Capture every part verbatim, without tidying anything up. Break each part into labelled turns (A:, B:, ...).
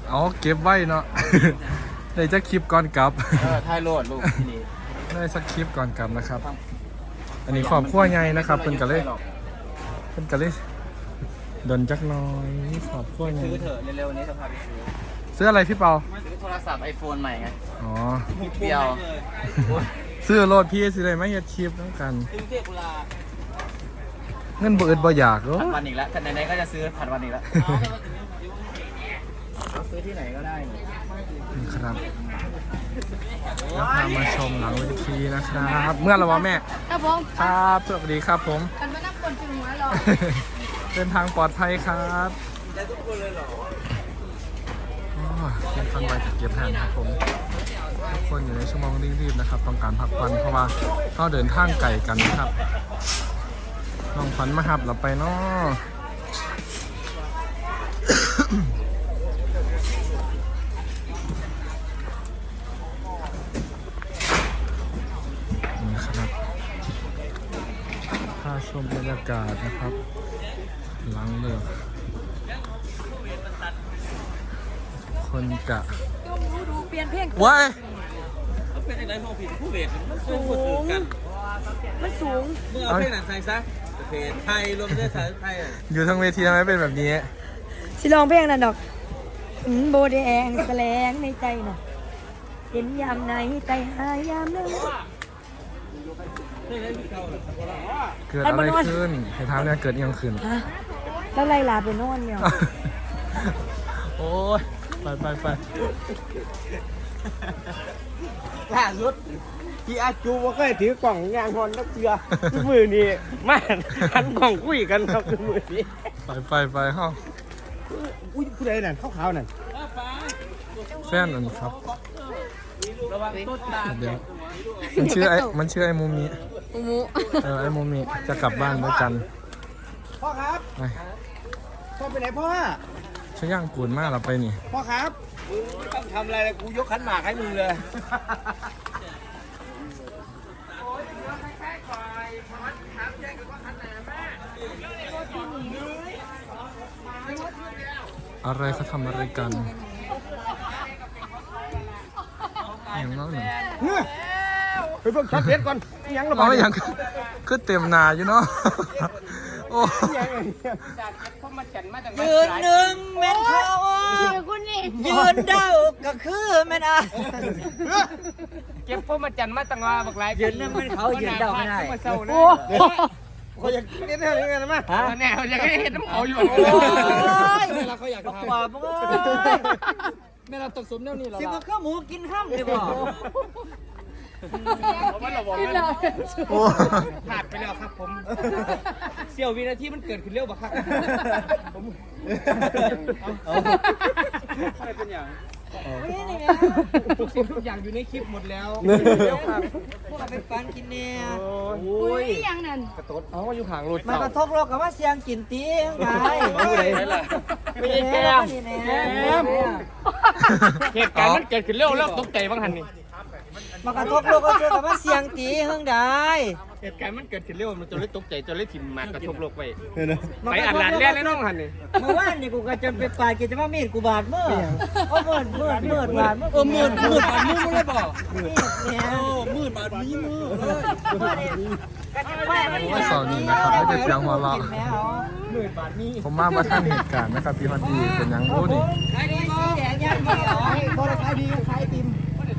A: เอาเก็บไว้เนาะ ได้จะคลิปก่อนกลับ
B: เออถ่ายโหลดลูกนี่
A: ได้สักคลิปก่อนกลับนะครับ อันนี้ขอบขั้วใหญ่นะครับเป็นกะเลยเป็นกะเลยดนจักหน้อยขอบขั้วใหญ่
B: ซื้อเถอะเร็วๆนี้จะพาไปซื้อ
A: ซื้ออะไรพี่เปา
B: ซื้อโทรศัพท์ไอโฟนใหม่ไง
A: อ๋อ
B: นิดเดียว
A: ซื้อโหลดพี่สิได้ไหมเฮ็ดคลิปต้องกัน
B: ซื้อเทพกุลา
A: เงินบ่อึดบ่อยากเหรอ
B: ผัดวันอีกแล้วแต่ไหนๆก็จะซื้อผัดวันอีกแล้วเราซื้อที่ไหนก็ได้นี่
A: นี่ครับแล้วพามาชมหลังเวทีนะครับ เมื่อไหรวะแม่
C: ครับผม
A: ครับสวัสดีครับผม
C: กันไม่นับคนถึงหัวหรอก
A: เดินทางปลอดภัยครับ
B: ได้ทุกคนเลยเหรอ
A: อ๋อเป็นคันไวจะเก็บแทนครับผมทุกคนอยู่ในชั่วโมงรีบๆนะครับ ต้องการพักผ่อนเพราะว่าเขาเดินทางไกลกันนะครับน้องขวัญมาหับเราไปเนาะ นี่ครับพาชมบรรยากาศนะครับ หลังเลือกคนจะ
C: ดูดูเปลี่ยนเพลง
A: ว้าย
B: เป็นอะไรมองผิดผู้เวทมันสู
C: สู
B: ง
C: งมันสูง
B: เมื่อเอาเพลงหนังไทยซะเพลงไทยรวมด้วยสายไทยอ่ะ
A: อยู่ทั้งเวทีทำไมเป็นแบบนี้
C: สิลองเพลงนั่นดอกหืมโบแดงแสลงในใจน่ะเห็นยามไหนใจหายามนั้น
A: เกิดอะไรขึ้นเหตุการณ์เนี่ยเกิดยังขึ้น
C: ฮะแล้วไล่ลาไปนอนเนี่ย
A: โอ้ยไปไปไป
D: ล่าสุดที่อาจูว่าเคยถือกล่องยางฮอนนักเสือมือนี่มาหันกล่องคุยกันครับมือนี้
A: ไปไปไปห้อง
D: อุ้ยผู้ใดนั่นขาวๆนั่น
A: แฟนนั่นครับเดี๋ยวมันชื่อไอ้มันชื่อไอ้มูมิ
C: อุมุ
A: เออไอ้มูมิจะกลับบ้านด้วยกัน
D: พ่อครับ
A: ไป
D: พ่อไปไหนพ่อ
A: ช่างย่างกูนมากเราไปนี่
D: พ่อครับมึงไม่ต้องทำอะไรเลยกูยกขันหมากให้มึงเลย
A: อะไรเขาทำอะไรกันอย่างนั้นหนึ่ง
D: เฮ้ยไปเบิ่งชัดเพชรก่อนยังระบา
A: เอา
D: ด
A: ไม่ยังคือเต็มหนาอยู่เนาะโอ้
E: ยืนหนึ่งแม่นเขา
C: เดี๋ยวคุณนี่
E: ยืนเด้าก็คือแม่นอ่ะ
D: เก็บพวกมาจันมาตั้งว่าบักหลาย
E: ยืนหนึ่งแม่นเขายืนเด้าไม่ได้
C: โอ้
D: เขาอยากเล่นอะไรกันมั้ย
E: ฮะ
D: แน่เขาอยากเห็นน้ำเขาอยู่
E: โอ้ย
D: เราเขาอยาก
E: บอก
D: ทำ
E: ว่ามึงเอ้ย
D: แม่เราตกสมแนวนี้หรอ
E: สิมาข้าวหมูกินข้ามดีกว่า
C: ขึ้นเลย
A: โอ้
D: ผ่านไปแล้วครับผมเสี้ยววินาทีมันเกิดขึ้นเร็วบักครับผมไม่เป็นอย่าง
E: ไม่นี่ไง
D: ทุกสิ่งทุกอย่างอยู่ในคลิปหมดแล้ว
E: พวกเราไปปันกินเนี่ย
C: อุ้ยยังนั่น
D: เอาอยู่ข้างรถ
E: มันกระทบโลกกับว่าเสียงกินตีงไง
D: ไม่ใช่แก้ม
E: แก้ม
D: เหตุการณ์มันเกิดขึ้นเร็วแล้วตกใจบ้างหันนี่
E: มันกระทบโลกก็เจอกับว่าเสียงตีเฮงได้
D: เหตุการณ์มันเกิดขึ้นเร็วมันจนเลยตกใจจนเลยถิ่มมากระทบโลกไป
E: มัน
D: ไป
E: กระ
D: อัด
E: ทบ
D: หลานแล่นแล้วน้องหันนี่
E: เมื่อวานนี่กูก็จะไปปาดกิจว่ามีดกูบาดมือโอ้มืดมืดมืดบาดมือ
D: เออมืดมืดบาดมือมึงเลยบอก
E: เนี่ย
D: มืดบาดมีมือ
A: ว่าเสาร์นี้นะครับไม่ได้เสียงหัวเราะ
D: มืดบาดมี
A: ผมมาประท่านเหตุการณ์นะครับพี่ฮอนดีเป็นหยังโอ้นี่
E: ขายดีสีแดงยังไม่เหรอ
D: พอได้ขายดีขายติม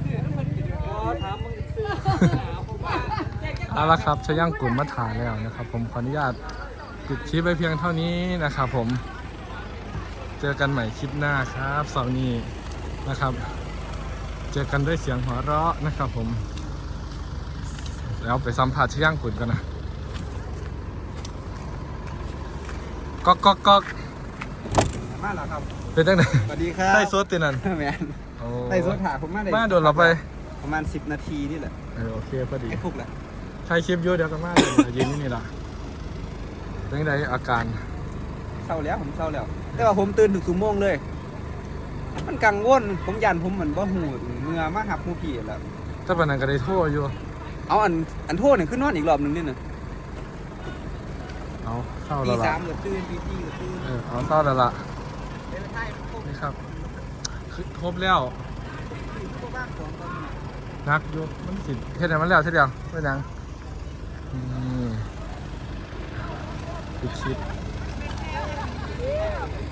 A: เอาละครับช่างย่างกูนมาถ่ายแล้วนะครับ ผมขออนุญาตปิดคลิปไปเพียงเท่านี้นะครับผมเจอกันใหม่คลิปหน้าครับเสาร์นี้นะครับ เจอกันด้วยเสียงหัวเราะนะครับผมแล้วไปสัมผัสช่างย่างกูนกันนะก๊อกก๊อกก๊อก
D: มาแล้วครับ
A: เป็นตั้งไหน
D: สวัสดีครับ
A: ใต้โซดตีนัน
D: แมน
A: โอ้
D: ไต่สดถาผมมาได้
A: มาโดนเราไป
D: ประมาณสิบนาทีนี่แหละ
A: เออโอเคพอดี
D: ไอ้ฟุกแหละ
A: ใช้คลิปเยอะเดี๋ยวกันมากเลยยืนนี่นี่ละเป็นไงอาการ
D: เศร้าแล้วผมเศร้าแล้ว แต่ว่าผมตื่นถึงสุโมงเลย มันกังวลผมยันผมเหมือนว่าหูเมื่อมาหับหูผีแล้ว
A: ถ้าปานนั้นก็ได้โทษอยู่
D: เอาอันอันโทษเนี่ยขึ้นนอนอีกรอบหนึ่งนี่นะ
A: เอาเข้า
D: ตี
A: แล้วล่ะ
D: สามก็ตื่นตีสี่ก็ตื่น
A: เออเอาเข้าแล้วล่ะนี่ครับคือครบแล้วนักอยู่มันสิเฮ็ดให้มันแล้วเท่าเดียวเป็นหยังนี่ปิดชิด